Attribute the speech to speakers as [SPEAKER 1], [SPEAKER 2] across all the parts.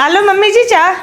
[SPEAKER 1] Hello mummy जी चाह।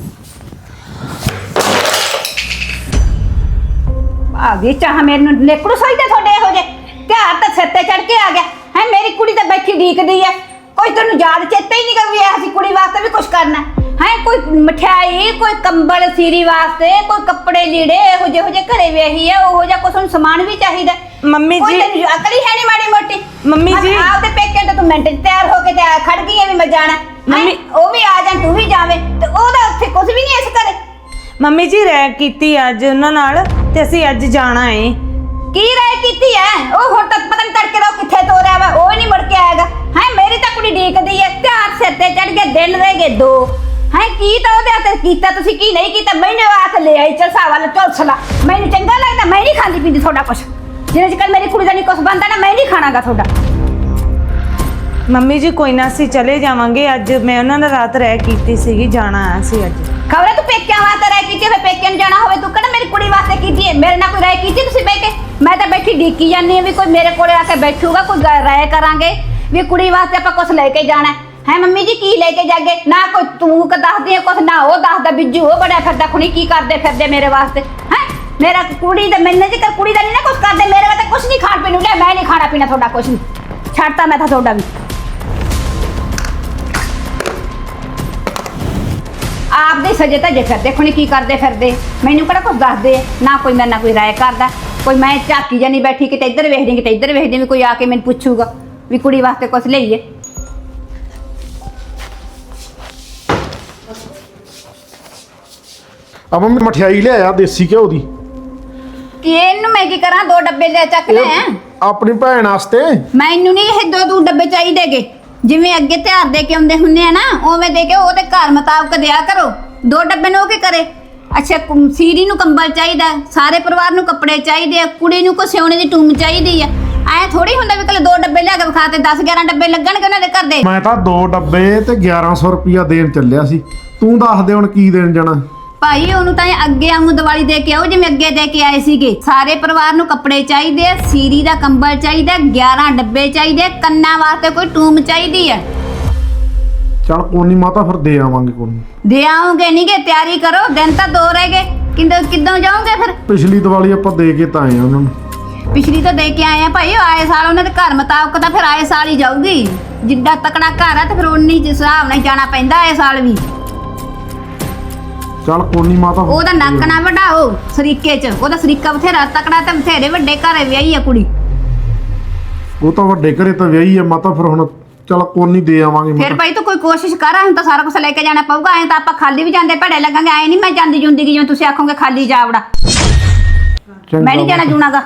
[SPEAKER 2] आ गई चाह मेरे नेकड़ू सोई ते थोड़े हो जे ध्यान तो सिर ते चढ़ के आ गया है। मेरी कुड़ी तो बैठी ढीकदी है, कोई तेन याद चेता ही नहीं कर भी ऐसी कुड़ी वास्ते भी कुछ करना है। कोई मिठाई, कोई कंबल सीरी वास्ते, कोई कपड़े लीड़े हो जे घरे वेही है, वो जा कुछ सामान भी चाहिए।
[SPEAKER 1] मम्मी जी
[SPEAKER 2] अकल ही है नहीं माड़ी मोटी।
[SPEAKER 1] मम्मी जी
[SPEAKER 2] आपके पेके तो तू मिनट तैयार होके खड़ गई है भी मैं जाना
[SPEAKER 1] मम्मी
[SPEAKER 2] वो भी आ जाए तू भी जावे तो ओदा उत्थे कुछ भी नहीं इस करे।
[SPEAKER 1] मम्मी जी रह कीती अज उन्हां नाल ते ਅਸੀਂ ਅੱਜ ਜਾਣਾ है।
[SPEAKER 2] की राय कीती है ओ हुण तक पता नहीं तड़के दा किथे तोरिया वा ओ नहीं मुड़ के आएगा है। मेरी तो कुड़ी ढीकदी है, त्यार सिर ते चढ़ गए, दिन रह गए 2 है। की तो ओदे हत्थ कीता तुसी की नहीं कीता मैनू आख ले आई चलसा वाला चौसला। मैनू चंगा लगदा, मैं नहीं खांदी पींदी थोड़ा कुछ जिन्ने चिकर मेरी कुड़ी दा नहीं कुछ बनदा ना मैं नहीं खाणागा थोड़ा।
[SPEAKER 1] मम्मी जी कोई ना ਅਸੀਂ ਚਲੇ ਜਾਵਾਂਗੇ। ਅੱਜ ਮੈਂ ਉਹਨਾਂ ਨਾਲ ਰਾਤ ਰਹਿ ਕੀਤੀ ਸੀਗੀ, ਜਾਣਾ ਆ ਸੀ ਅੱਜ।
[SPEAKER 2] खबर तू पेकिया वास्ते राय की फिर पेकिया जाना हो तू कहना मेरी कुड़ी वास्ते की मेरे ना कोई राय की तुम बह के। मैं तो बैठी डीकी जानी भी कोई मेरे को आके बैठूगा, कोई राय करांगे भी कुड़ी वास्ते आप कुछ लेके जाना है। मम्मी जी की लेके जागे ना कोई तू दस दी कुछ ना वो दसदा बिजू वो बड़ा फिरदा खुणी की करते फिरदे मेरे वास्ते है। मेरा कुड़ी तो मैंने जी कुड़ी का नहीं ना कुछ करते मेरे वास्ते कुछ नहीं खाण पीन लिया। मैं नहीं खाना पीना थोड़ा कुछ नहीं छड़ता मैं था थोड़ा भी। आप दे सजे तजे फिरदे खुणी की करते फिरदे मैनू कड़ा कुछ दसदे ना कोई मेरे ना कोई राय करदा। कोई मैं झाकी जानी बैठी किते इधर वेखदी किते इधर वेखदी भी कोई आके मैनू पुछूगा भी कुड़ी वास्ते कुछ लईए।
[SPEAKER 3] अब मैं मठियाई ले आया देसी घ्यो दी
[SPEAKER 2] कि इनू मैं की करा 2 डब्बे ले चक ले
[SPEAKER 3] अपनी भैन वास्ते।
[SPEAKER 2] मैनू नहीं ये 2 डब्बे चाहिए गे जिवें अगे त्यार दे के आउंदे हुंदे आ ना उवें दे के ओदे घर मुताबिक दिया करो। 2 डब्बे नो के करे। अच्छा सीरी नू कंबल चाहिए, सारे परिवार नू कपड़े चाहिए, कुड़ी नू को सिउणे दी टूम चाहिए है। ऐ थोड़ी हुंदा भी कल 2 डब्बे लिया के विखा ते 10-11 डब्बे लगणगे उन्हां दे घर दे।
[SPEAKER 3] मैं तां 2 डब्बे ते 1100 रुपया देन ਚੱਲਿਆ ਸੀ। तू दस दे हुण की देन जाना
[SPEAKER 2] भाई ओनू तां अगे आऊं दिवाली दे के आओ जिवें अगे दे के आए सीगे। सारे परिवार नू कपड़े चाहिए, सीरी दा कंबल चाहिए, 11 डब्बे चाहिए, कन्ना वास्ते कोई टूम चाहिए है।
[SPEAKER 3] चल कोनी माता फिर दे आवांगे कोनी।
[SPEAKER 2] दे आओगे नहीं गे तैयारी करो दिन तो 2 रह गए किदों जाओगे फिर।
[SPEAKER 3] पिछली दिवाली ਆਪਾਂ ਦੇ ਕੇ ਤਾਂ ਆਏ ਉਹਨਾਂ ਨੂੰ।
[SPEAKER 2] पिछली तो दे के आए हैं भाई आए साल उन्होंने घर मुताबिक तो फिर आए साल ही जाऊगी। जिड्डा तकड़ा घर है तो फिर उन्नी हिसाब नाल जाना पैंदा आए साल भी।
[SPEAKER 3] चल कोनी माता
[SPEAKER 2] ओदा नक ना वडाओ सरीके च ओदा सरीका बथेरा तकड़ा ते बथेरे ਵੱਡੇ ਘਰੇ ਵਿਆਹੀ ਆ ਕੁੜੀ।
[SPEAKER 3] ਉਹ ਤਾਂ ਵੱਡੇ ਘਰੇ ਤਾਂ ਵਿਆਹੀ ਆ ਮਾਤਾ ਫਿਰ ਹੁਣ चल कोनी दे आवांगे।
[SPEAKER 2] फिर भाई तो कोई कोशिश कर हम तो सारा कुछ लेके जाना पऊगा। ऐ तो आप खाली भी जाते भड़े लगेंगे ऐ नहीं मैं जाती जूंदी जिवें तुसीं आखोगे खाली जावड़ा मैं नहीं जाना जूनागा।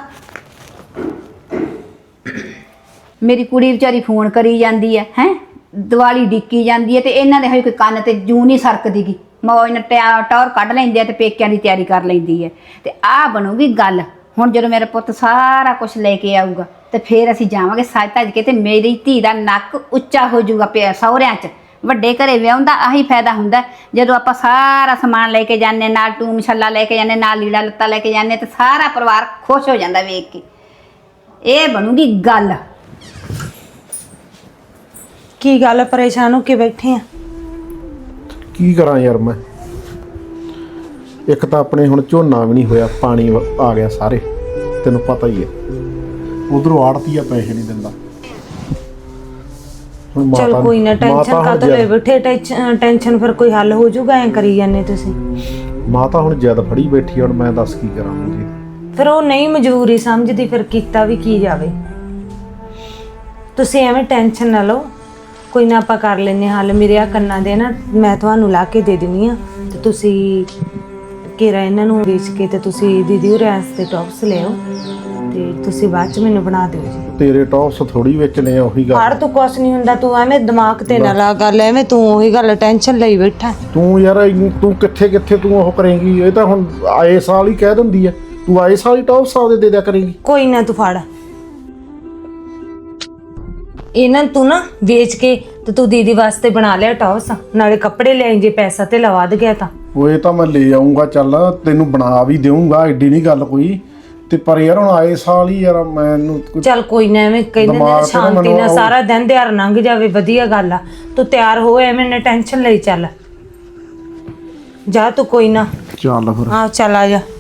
[SPEAKER 2] मेरी कुड़ी बेचारी फोन करी जाती है दिवाली डिक्की जाती है तो इन्हां दे कोई कन्न ते जू नहीं सरकदी गी। मौज नाल टौर कढ लैंदे ते पेकिਆਂ ਦੀ ਤਿਆਰੀ कर लैंदी है ते आ बनूगी गल। ਹੁਣ ਜਦੋਂ ਮੇਰਾ ਪੁੱਤ ਸਾਰਾ ਕੁਝ ਲੈ ਕੇ ਆਊਗਾ ਤੇ ਫਿਰ ਅਸੀਂ ਜਾਵਾਂਗੇ ਸੱਜ ਧੱਜ ਕੇ ਤੇ ਮੇਰੀ ਧੀ ਦਾ ਨੱਕ ਉੱਚਾ ਹੋ ਜਾਊਗਾ ਪਿਆ ਸਹੁਰਿਆਂ 'ਚ। ਵੱਡੇ ਘਰੇ ਵਿਆਹੁੰਦਾ ਆਹੀ ਫਾਇਦਾ ਹੁੰਦਾ ਜਦੋਂ ਆਪਾਂ ਸਾਰਾ ਸਮਾਨ ਲੈ ਕੇ ਜਾਂਦੇ ਨਾਲ ਟੂਮ ਛੱਲਾ ਲੈ ਕੇ ਜਾਂਦੇ ਨਾਲ ਲੀੜਾ ਲੱਤਾ ਲੈ ਕੇ ਜਾਂਦੇ ਤੇ ਸਾਰਾ ਪਰਿਵਾਰ ਖੁਸ਼ ਹੋ ਜਾਂਦਾ ਵੇਖ ਕੇ। ਇਹ ਬਣੂਗੀ ਗੱਲ।
[SPEAKER 1] ਕੀ ਗੱਲ ਪਰੇਸ਼ਾਨ ਹੋ ਕੇ ਬੈਠੇ ਆ?
[SPEAKER 3] ਕੀ ਕਰਾਂ ਯਾਰ ਮੈਂ ਇੱਕ ਤਾਂ ਆਪਣੇ ਹੁਣ ਝੋਨਾ ਵੀ ਨਹੀਂ ਹੋਇਆ, ਪਾਣੀ ਆ ਗਿਆ ਸਾਰੇ ਤੈਨੂੰ ਪਤਾ ਹੀ ਹੈ। ਉਧਰੋਂ ਆੜਤੀਆ ਪੈਸੇ ਨਹੀਂ ਦਿੰਦਾ।
[SPEAKER 1] चल कोई ना टेंशन का तो ले बैठे टेंशन फिर कोई हल हो जाऊगा ऐ करी जाने तुसी।
[SPEAKER 3] माता हुण जिद फड़ी बैठी हुण मैं दस की करा जी।
[SPEAKER 1] फिर वो नहीं मजबूरी समझदी फिर कीता भी की जावे। तुसी एवें टेंशन ना लो कोई ना आपां कर लैने हल। मेरे आ कन्ना दे ना मैं तुहानू ला के दे दिंदी आ ते तुसी घेरा इन्हां नू बेच के ते तुसी दीदी होरें वास्ते टॉप्स ले आओ ਤੇ ਤੁਸੀਂ ਬਾਅਦ ਚ ਮੈਨੂੰ ਬਣਾ ਦਿਓ ਜੀ। ਤੇਰੇ
[SPEAKER 3] ਟੌਪਸ ਥੋੜੀ ਵੇਚਣੇ ਆ ਉਹੀ ਗੱਲ।
[SPEAKER 1] ਹਰ ਤੂੰ ਕੁਛ ਨਹੀਂ ਹੁੰਦਾ ਤੂੰ ਐਵੇਂ ਦਿਮਾਗ ਤੇ ਨਾ ਲਾ ਗੱਲ ਐਵੇਂ ਤੂੰ ਉਹੀ ਗੱਲ ਟੈਨਸ਼ਨ ਲਈ ਬੈਠਾ।
[SPEAKER 3] ਤੂੰ ਯਾਰ ਤੂੰ ਕਿੱਥੇ ਤੂੰ ਉਹ ਕਰੇਂਗੀ। ਇਹ ਤਾਂ ਹੁਣ ਆਏ ਸਾਲ ਹੀ ਕਹਿ ਦਿੰਦੀ ਆ ਤੂੰ ਆਏ ਸਾਲ ਹੀ ਟੌਪਸ ਆਦੇ ਦੇ ਦਿਆ ਕਰੇਂਗੀ।
[SPEAKER 1] ਕੋਈ ਨਾ ਤੂੰ ਫੜ ਇਹਨਾਂ ਤੂੰ ਨਾ ਵੇਚ ਕੇ ਤੇ ਤੂੰ ਦੀਦੀ ਵਾਸਤੇ ਬਣਾ ਲਿਆ ਟੌਪਸ ਨਾਲੇ ਕੱਪੜੇ ਲੈ ਜੇ ਪੈਸਾ ਤੇ ਲਵਾ ਦੇ ਗਿਆ ਤਾਂ
[SPEAKER 3] ਉਹ ਇਹ ਤਾਂ ਮੈਂ ਲੈ ਆਉਂਗਾ ਚੱਲ ਤੈਨੂੰ ਬਣਾ ਵੀ ਦੇਵਾਂਗਾ ਐਡੀ ਨਹੀਂ ਗੱਲ ਕੋਈ। ਤੇ ਪਰ ਯਾਰ ਹੁਣ ਆਏ ਸਾਲ ਹੀ ਯਾਰ ਮੈਨੂੰ
[SPEAKER 1] ਚੱਲ ਕੋਈ ਨਾ ਐਵੇਂ ਕਹਿੰਦੇ ਨੇ ਸ਼ਾਂਤੀ ਨਾਲ ਸਾਰਾ ਦਿਨ ਦਿਹਾੜ ਲੰਘ ਜਾਵੇ ਵਧੀਆ ਗੱਲ ਆ। ਤੂੰ ਤਿਆਰ ਹੋ ਐਵੇਂ ਨਾ ਟੈਨਸ਼ਨ ਲਈ ਚੱਲ ਜਾ ਤੂੰ ਕੋਈ ਨਾ।
[SPEAKER 3] ਚੱਲ ਫਿਰ
[SPEAKER 1] ਆ ਚੱਲ ਆ ਜਾ।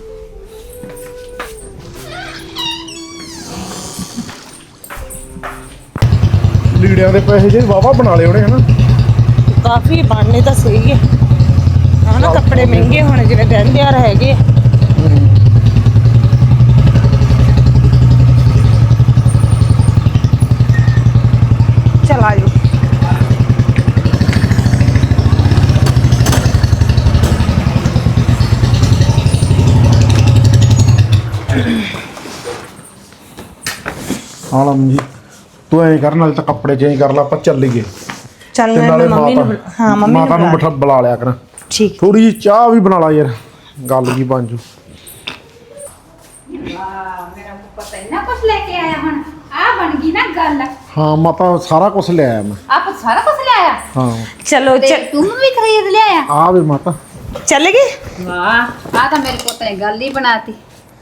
[SPEAKER 3] ਲੀੜਿਆਂ ਦੇ ਪੈਸੇ ਜੇ ਵਾਵਾ ਬਣਾ ਲਏ ਉਹਨੇ ਹਨਾ।
[SPEAKER 1] ਕਾਫੀ ਬਣਨੇ ਤਾਂ ਸਹੀ ਹੈ ਹਨਾ। ਕੱਪੜੇ ਮਹਿੰਗੇ ਹੁਣ ਜਿਵੇਂ ਦਿਨ ਤਿਉਹਾਰ ਹੈਗੇ। ਚਲ ਆ ਜਾਓ।
[SPEAKER 3] ਹਾਂ ਜੀ ਤੂੰ ਐਂ ਕਰ ਨਾਲ ਤਾਂ ਕੱਪੜੇ ਚੇਂਜ ਕਰ ਲਾ ਆਪਾਂ ਚੱਲੀਏ।
[SPEAKER 1] ਚੱਲ
[SPEAKER 3] ਤੇ
[SPEAKER 1] ਮੈਂ
[SPEAKER 3] ਨਾਲੇ
[SPEAKER 1] ਮੰਮੀ ਨੂੰ ਹਾਂ ਮੰਮੀ
[SPEAKER 3] ਮਾਤਾ ਨੂੰ
[SPEAKER 1] ਨੂੰ
[SPEAKER 3] ਬਿਠਾ ਬੁਲਾ ਲਿਆ ਕਰ।
[SPEAKER 1] ਠੀਕ।
[SPEAKER 3] ਥੋੜੀ ਜਿਹੀ ਚਾਹ ਵੀ ਬਣਾ ਲਾ ਯਾਰ, ਗੱਲ ਕੀ ਬਣ ਜੂ।
[SPEAKER 2] ਵਾਹ ਮੇਰਾ ਪਤਾ ਇੰਨਾ ਕੁਝ ਲੈ ਕੇ ਆਇਆ ਹੁਣ। ਆ ਬਣ ਗਈ ਨਾ ਗੱਲ।
[SPEAKER 3] ਹਾਂ ਮਾਤਾ ਸਾਰਾ ਕੁਝ ਲੈ ਆਇਆ ਮੈਂ।
[SPEAKER 2] ਆਪ ਸਾਰਾ ਕੁਝ ਲਿਆਇਆ।
[SPEAKER 3] ਹਾਂ
[SPEAKER 1] ਚਲੋ
[SPEAKER 2] ਤੇ ਤੂੰ ਵੀ ਖਰੀਦ ਲਿਆਇਆ।
[SPEAKER 3] ਆ ਵੇ ਮਾਤਾ।
[SPEAKER 1] ਚੱਲ ਗਏ।
[SPEAKER 2] ਵਾਹ ਆ ਤਾਂ ਮੇਰੇ ਪੁੱਤ ਨੇ ਗੱਲ ਹੀ ਬਣਾਤੀ।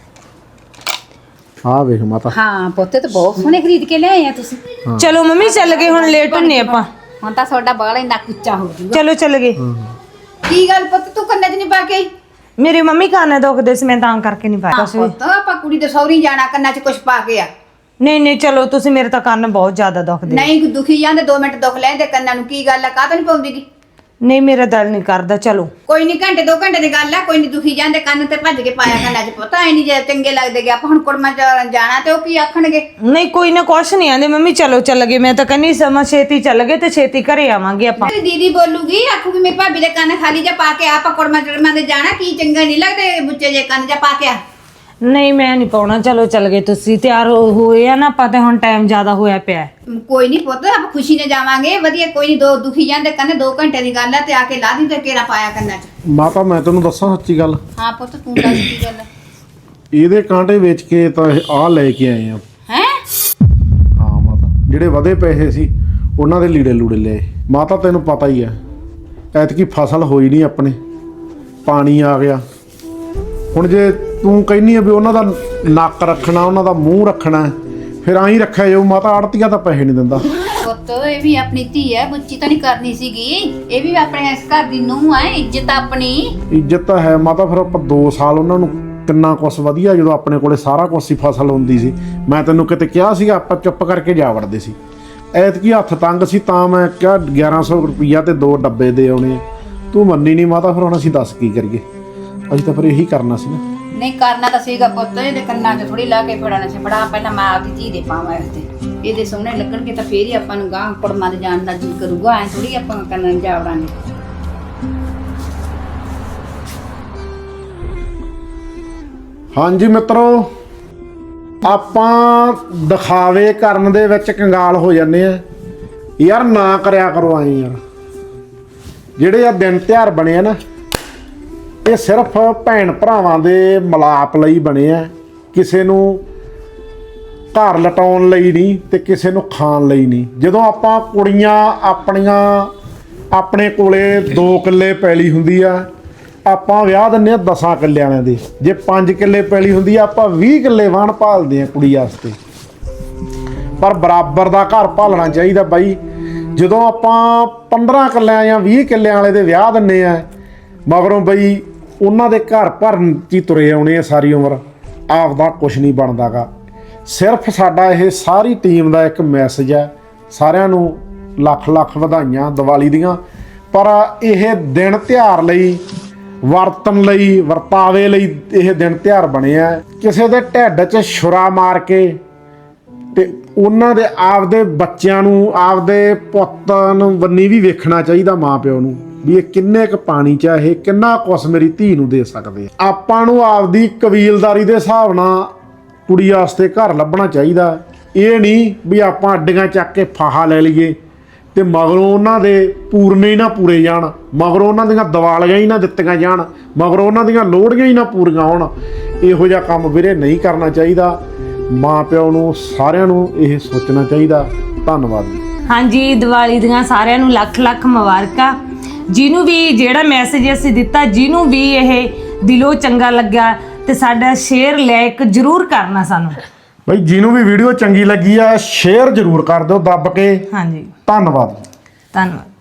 [SPEAKER 3] ਆ ਵੇਖ ਮਾਤਾ।
[SPEAKER 2] ਹਾਂ ਪੁੱਤੇ ਤਾਂ ਬਹੁਤ ਸੋਹਣੇ ਖਰੀਦ ਕੇ ਲਿਆਏ ਆ ਤੁਸੀਂ।
[SPEAKER 1] ਚਲੋ ਮੰਮੀ ਚੱਲ ਗਏ ਹੁਣ ਲੇਟ ਹੁੰਨੇ ਆਪਾਂ।
[SPEAKER 2] ਹੁਣ ਤਾਂ ਤੁਹਾਡਾ ਬਾਲ ਇੰਨਾ ਉੱਚਾ ਹੋ ਜੂਗਾ।
[SPEAKER 1] ਚਲੋ ਚੱਲ ਗਏ।
[SPEAKER 2] ਕੀ ਗੱਲ ਪੁੱਤ ਤੂੰ ਕੰਨਾਂ 'ਚ ਨਹੀਂ ਪਾ ਕੇ ਆਈ?
[SPEAKER 1] ਮੇਰੇ ਮੰਮੀ ਕੰਨ ਦੁਖਦੇ ਸੀ ਮੈਂ ਤਾਂ ਕਰਕੇ ਨਹੀਂ ਪਾਇਆ ਕੁਛ ਵੀ।
[SPEAKER 2] ਪੁੱਤ ਆਪਾਂ ਕੁੜੀ ਦੇ ਸਹੁਰੀ ਜਾਣਾ ਕੰਨਾਂ 'ਚ ਕੁਝ ਪਾ ਕੇ ਆ।
[SPEAKER 1] ਨਹੀਂ ਨਹੀਂ ਚਲੋ ਤੁਸੀਂ ਮੇਰੇ ਤਾਂ ਕੰਨ ਬਹੁਤ ਜ਼ਿਆਦਾ ਦੁਖਦੇ।
[SPEAKER 2] ਨਹੀਂ ਦੁਖੀ ਜਾਂਦੇ 2 ਮਿੰਟ ਦੁਖ ਲੈਂਦੇ ਕੰਨਾਂ ਨੂੰ। ਕੀ ਗੱਲ ਆ ਕਾਹ ਤੋਂ ਨਹੀਂ ਪਾਉਂਦੀਗੀ?
[SPEAKER 1] ਨਹੀਂ ਮੇਰਾ ਦਿਲ ਨਹੀਂ ਕਰਦਾ। ਚਲੋ
[SPEAKER 2] ਕੋਈ ਨਹੀਂ ਘੰਟੇ 2 ਘੰਟੇ ਦੀ ਗੱਲ ਆ। ਕੋਈ ਨਹੀਂ ਦੁਖੀ ਜਾਂਦੇ ਕੰਨ ਤੇ ਭੱਜ ਕੇ ਪਾਇਆ ਕੰਨਾਂ 'ਚ। ਪਤਾ ਐ ਨਹੀਂ ਜੇ ਚੰਗੇ ਲੱਗਦੇਗੇ। ਆਪਾਂ ਹੁਣ ਕੁੜਮਾਂ 'ਚ ਜਾਣਾ ਤੇ ਉਹ ਕੀ ਆਖਣਗੇ?
[SPEAKER 1] ਨਹੀਂ ਕੋਈ ਨਾ ਕੁਛ ਨਹੀਂ ਆਂਦੇ ਮੰਮੀ। ਚਲੋ ਚੱਲ ਗਏ। ਮੈਂ ਤਾਂ ਕਹਿੰਦੀ ਸਮਾਂ ਛੇਤੀ ਚੱਲ ਗਏ ਤੇ ਛੇਤੀ ਘਰੇ ਆਵਾਂਗੇ ਆਪਾਂ।
[SPEAKER 2] ਮੇਰੀ ਦੀਦੀ ਬੋਲੂਗੀ ਆਖੂਗੀ ਮੇਰੀ ਭਾਬੀ ਦੇ ਕੰਨ ਖਾਲੀ ਜਾ ਪਾ ਕੇ ਆ। ਆਪਾਂ ਕੁੜਮਾਂ ਚੜਮਾਂ ਦੇ ਜਾਣਾ ਕੀ ਚੰਗਾ ਨਹੀਂ ਲੱਗਦੇ ਬੁੱਚੇ ਜੇ ਕੰਨ ਜਾ ਪਾ ਕੇ ਆ।
[SPEAKER 1] ਨਹੀਂ ਮੈਂ ਨਹੀਂ ਪਾਉਣਾ। ਚਲੋ ਚੱਲ ਗਏ। ਤੁਸੀਂ ਤਿਆਰ ਹੋਏ ਆ ਨਾ। ਆਪਾਂ ਤੇ ਹੁਣ ਟਾਈਮ ਜ਼ਿਆਦਾ ਹੋਇਆ ਪਿਆ ਹੈ।
[SPEAKER 2] ਕੋਈ ਨਹੀਂ ਪੁੱਤ ਆਪਾਂ ਖੁਸ਼ੀ ਨਾਲ ਜਾਵਾਂਗੇ। ਵਧੀਆ ਕੋਈ ਨਹੀਂ। 2 ਦੁਖੀ ਜਾਂਦੇ ਕੰਨ 2 ਘੰਟੇ ਦੀ ਗੱਲ ਆ ਤੇ ਆ ਕੇ ਲਾ ਦੀ ਤੇ ਕੇਰਾ ਪਾਇਆ ਕੰਨਾਂ 'ਚ।
[SPEAKER 3] ਮਾਤਾ ਮੈਂ ਤੈਨੂੰ ਦੱਸਾਂ ਸੱਚੀ ਗੱਲ।
[SPEAKER 2] ਹਾਂ ਪੁੱਤ ਤੂੰ ਦੱਸ ਕੀ ਗੱਲ
[SPEAKER 3] ਇਹਦੇ ਕਾਂਟੇ ਵੇਚ ਕੇ ਤਾਂ ਆ ਲੈ ਕੇ ਆਏ ਆ।
[SPEAKER 2] ਹੈ?
[SPEAKER 3] ਹਾਂ ਮਾਤਾ ਜਿਹੜੇ ਵਧੇ ਪੈਸੇ ਸੀ ਉਹਨਾਂ ਦੇ ਲੀੜੇ ਲੂੜੇ ਲਏ। ਮਾਤਾ ਤੈਨੂੰ ਪਤਾ ਹੀ ਆ ਐਤਕੀ ਫਸਲ ਹੋਈ ਨਹੀਂ ਆਪਣੇ। ਪਾਣੀ ਆ ਗਿਆ। ਹੁਣ ਜੇ ਤੂੰ ਕਹਿੰਦੀ ਆ ਵੀ ਉਹਨਾਂ ਦਾ ਨੱਕ ਰੱਖਣਾ ਉਹਨਾਂ ਦਾ ਮੂੰਹ ਰੱਖਣਾ ਫਿਰ ਆਈ ਰੱਖਿਆ ਜਾਊ। ਮਾਤਾ ਆੜਤੀਆ ਤਾਂ ਪੈਸੇ ਨਹੀਂ ਦਿੰਦਾ।
[SPEAKER 2] ਪੁੱਤ ਇਹ ਵੀ ਆਪਣੀ ਧੀ ਹੈ। ਬੁੱਚੀ ਤਾਂ ਨਹੀਂ ਕਰਨੀ ਸੀਗੀ। ਇਹ ਵੀ ਆਪਣੇ ਇਸ ਘਰ ਦੀ ਨੂੰਹ ਹੈ। ਇੱਜ਼ਤ ਆਪਣੀ।
[SPEAKER 3] ਇੱਜ਼ਤ ਤਾਂ ਹੈ ਮਾਤਾ। ਫਿਰ ਆਪਾਂ 2 ਸਾਲ ਉਹਨਾਂ ਨੂੰ ਕਿੰਨਾ ਕੁਛ ਵਧੀਆ ਜਦੋਂ ਆਪਣੇ ਕੋਲੇ ਸਾਰਾ ਕੁਛ ਸੀ ਫਸਲ ਹੁੰਦੀ ਸੀ। ਮੈਂ ਤੈਨੂੰ ਕਿਤੇ ਕਿਹਾ ਸੀਗਾ ਆਪਾਂ ਚੁੱਪ ਕਰਕੇ ਜਾ ਵੜਦੇ ਸੀ। ਐਤਕੀ ਹੱਥ ਤੰਗ ਸੀ ਤਾਂ ਮੈਂ ਕਿਹਾ 1100 ਰੁਪਈਆ ਤੇ 2 ਡੱਬੇ ਦੇ ਆਉਣੇ। ਤੂੰ ਮੰਨੀ ਨਹੀਂ ਮਾਤਾ। ਫਿਰ ਹੁਣ ਅਸੀਂ ਦੱਸ ਕੀ ਕਰੀਏ। ਅਸੀਂ ਤਾਂ ਫਿਰ ਇਹੀ ਕਰਨਾ ਸੀ ਨਾ।
[SPEAKER 2] ਨਹੀਂ ਕਰਨਾ ਤਾਂ ਸੀਗਾ ਪੁੱਤ। ਇਹਦੇ ਕੰਨਾਂ 'ਚ ਥੋੜੀ ਲਾ ਕੇ ਫੜਾਣਾ ਸੀ। ਫੜਾ ਪਹਿਲਾਂ ਮੈਂ ਆਪਦੀ ਧੀ ਦੇ ਪਾਵਾਂ ਇਹਦੇ। ਇਹਦੇ ਸੋਹਣੇ ਲੱਗਣਗੇ ਤਾਂ ਫੇਰ ਹੀ ਆਪਾਂ ਨੂੰ ਗਾਂ ਕੁੜਮਾਂ ਦੇ ਜਾਣ ਦਾ ਜੀ ਕਰੂਗਾ। ਐ ਥੋੜੀ ਆਪਾਂ ਕੰਨਾਂ 'ਚ ਜਾ ਵੜਾਂਗੇ।
[SPEAKER 3] ਹਾਂਜੀ ਮਿੱਤਰੋ ਆਪਾਂ ਦਿਖਾਵੇ ਕਰਨ ਦੇ ਵਿੱਚ ਕੰਗਾਲ ਹੋ ਜਾਂਦੇ ਆ ਯਾਰ। ਨਾ ਕਰਿਆ ਕਰੋ ਆਏ ਯਾਰ। ਜਿਹੜੇ ਆ ਦਿਨ ਤਿਉਹਾਰ ਬਣੇ ਆ ਨਾ ਇਹ ਸਿਰਫ ਭੈਣ ਭਰਾਵਾਂ ਦੇ ਮਿਲਾਪ ਲਈ ਬਣੇ ਆ। ਕਿਸੇ ਨੂੰ ਘਰ ਲਟਾਉਣ ਲਈ ਨਹੀਂ ਤੇ ਕਿਸੇ ਨੂੰ ਖਾਣ ਲਈ ਨਹੀਂ। ਜਦੋਂ ਆਪਾਂ ਕੁੜੀਆਂ ਆਪਣੀਆਂ ਆਪਣੇ ਕੋਲੇ 2 ਕਿੱਲੇ ਪੈਲੀ ਹੁੰਦੀ ਆ ਆਪਾਂ ਵਿਆਹ ਦਿੰਦੇ ਆ 10 ਕਿੱਲਿਆਂ ਵਾਲਿਆਂ ਦੇ। ਜੇ 5 ਕਿੱਲੇ ਪੈਲੀ ਹੁੰਦੀ ਆ ਆਪਾਂ 20 ਕਿੱਲੇ ਵਾਹਣ ਭਾਲਦੇ ਆ ਕੁੜੀ ਵਾਸਤੇ। ਪਰ ਬਰਾਬਰ ਦਾ ਘਰ ਭਾਲਣਾ ਚਾਹੀਦਾ ਬਾਈ। ਜਦੋਂ ਆਪਾਂ 15 ਕਿੱਲਿਆਂ ਜਾਂ 20 ਕਿੱਲਿਆਂ ਵਾਲੇ ਦੇ ਵਿਆਹ ਦਿੰਦੇ ਆ ਮਗਰੋਂ ਬਈ ਉਹਨਾਂ ਦੇ ਘਰ ਭਰਨ 'ਚ ਹੀ ਤੁਰੇ ਆਉਣੇ ਆ ਸਾਰੀ ਉਮਰ। ਆਪਦਾ ਕੁਛ ਨਹੀਂ ਬਣਦਾਗਾ। ਸਿਰਫ ਸਾਡਾ ਇਹ ਸਾਰੀ ਟੀਮ ਦਾ ਇੱਕ ਮੈਸੇਜ ਹੈ। ਸਾਰਿਆਂ ਨੂੰ ਲੱਖ ਲੱਖ ਵਧਾਈਆਂ ਦੀਵਾਲੀ ਦੀਆਂ। ਪਰ ਇਹ ਦਿਨ ਤਿਉਹਾਰ ਲਈ ਵਰਤਨ ਲਈ ਵਰਤਾਵੇ ਲਈ ਇਹ ਦਿਨ ਤਿਉਹਾਰ ਬਣੇ ਆ। ਕਿਸੇ ਦੇ ਢਿੱਡ 'ਚ ਛੁਰਾ ਮਾਰ ਕੇ ਤੇ ਉਹਨਾਂ ਦੇ ਆਪਦੇ ਬੱਚਿਆਂ ਨੂੰ ਆਪਦੇ ਪੁੱਤ ਨੂੰ ਬੰਨੀ ਵੀ ਵੇਖਣਾ ਚਾਹੀਦਾ ਮਾਂ ਪਿਓ ਨੂੰ ਵੀ ਇਹ ਕਿੰਨੇ ਕੁ ਪਾਣੀ 'ਚ ਇਹ ਕਿੰਨਾ ਕੁਛ ਮੇਰੀ ਧੀ ਨੂੰ ਦੇ ਸਕਦੇ ਆ। ਆਪਾਂ ਨੂੰ ਆਪਦੀ ਕਬੀਲਦਾਰੀ ਦੇ ਹਿਸਾਬ ਨਾਲ ਕੁੜੀ ਵਾਸਤੇ ਘਰ ਲੱਭਣਾ ਚਾਹੀਦਾ। ਇਹ ਨਹੀਂ ਵੀ ਆਪਾਂ ਅੱਡੀਆਂ ਚੱਕ ਕੇ ਫਾਹਾ ਲੈ ਲਈਏ ਤੇ ਮਗਰੋਂ ਉਹਨਾਂ ਦੇ ਪੂਰਨੇ ਹੀ ਨਾ ਪੂਰੇ ਜਾਣ। ਮਗਰੋਂ ਉਹਨਾਂ ਦੀਆਂ ਦੀਵਾਲੀਆਂ ਹੀ ਨਾ ਦਿੱਤੀਆਂ ਜਾਣ। ਮਗਰੋਂ ਉਹਨਾਂ ਦੀਆਂ ਲੋਹੜੀਆਂ ਹੀ ਨਾ ਪੂਰੀਆਂ ਹੋਣ। ਇਹੋ ਜਿਹਾ ਕੰਮ ਵੀਰੇ ਨਹੀਂ ਕਰਨਾ ਚਾਹੀਦਾ। ਮਾਂ ਪਿਓ ਨੂੰ ਸਾਰਿਆਂ ਨੂੰ ਇਹ ਸੋਚਣਾ ਚਾਹੀਦਾ। ਧੰਨਵਾਦ ਜੀ।
[SPEAKER 1] ਹਾਂਜੀ ਦੀਵਾਲੀ ਦੀਆਂ ਸਾਰਿਆਂ ਨੂੰ ਲੱਖ ਲੱਖ ਮੁਬਾਰਕਾਂ। ਜਿਹਨੂੰ ਵੀ ਜਿਹੜਾ ਮੈਸੇਜ ਅਸੀਂ ਦਿੱਤਾ ਜਿਹਨੂੰ ਵੀ ਇਹ ਦਿਲੋਂ ਚੰਗਾ ਲੱਗਾ ਤੇ ਸਾਡਾ ਸ਼ੇਅਰ ਲਾਈਕ ਜ਼ਰੂਰ ਕਰਨਾ ਸਾਨੂੰ।
[SPEAKER 3] ਬਈ ਜਿਹਨੂੰ ਵੀ ਵੀਡੀਓ ਚੰਗੀ ਲੱਗੀ ਆ ਸ਼ੇਅਰ ਜ਼ਰੂਰ ਕਰ ਦਿਓ ਦੱਬ ਕੇ।
[SPEAKER 1] ਹਾਂਜੀ
[SPEAKER 3] ਧੰਨਵਾਦ।
[SPEAKER 1] ਧੰਨਵਾਦ।